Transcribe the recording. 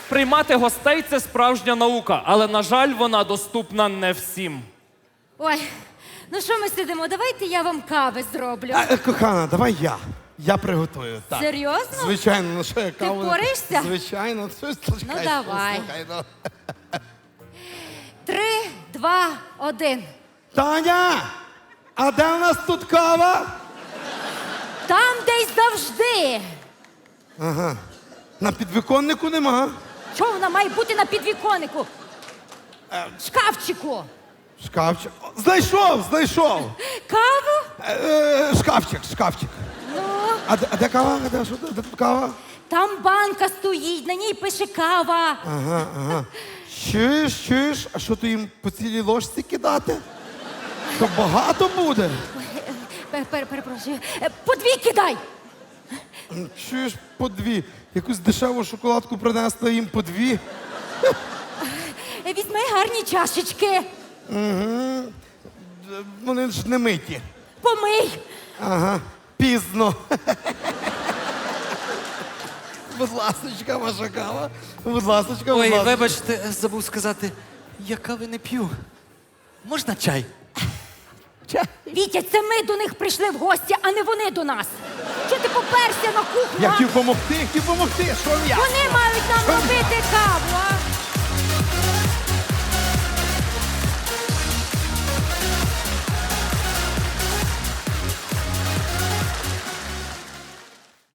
Приймати гостей – це справжня наука, але, на жаль, вона доступна не всім. Ой, ну що ми сидимо? Давайте я вам кави зроблю. Кохана, давай я. Я приготую. Так. Серйозно? Звичайно, ну що я каву... впораєшся? Звичайно. Ну, давай. 3, 2, 1. Таня! А де у нас тут кава? Там десь завжди. На підвіконнику нема. Чого вона має бути на підвіконнику? Шкафчику. Шкафчик. Знайшов! Каву? Шкафчик. Ну, А де кава? Де тут кава? там банка стоїть, на ній пише кава. Ага. Чуєш? А що ти їм по цілій ложці кидати? То багато буде. Перепрошую. По 2 кидай. Чуєш, по 2. Якусь дешеву шоколадку принесла їм по 2. Візьми гарні чашечки. Вони ж не миті. Помий. Ага, пізно. Будь ласочка, ваша кава. Будь ласочка, будь Ой, ласочка. вибачте, забув сказати, я кави не п'ю. Можна чай? Вітя, це ми до них прийшли в гості, а не вони до нас. Що ти поперся на кухню? Я а? хотів помогти, Що я? Вони мають нам робити каву,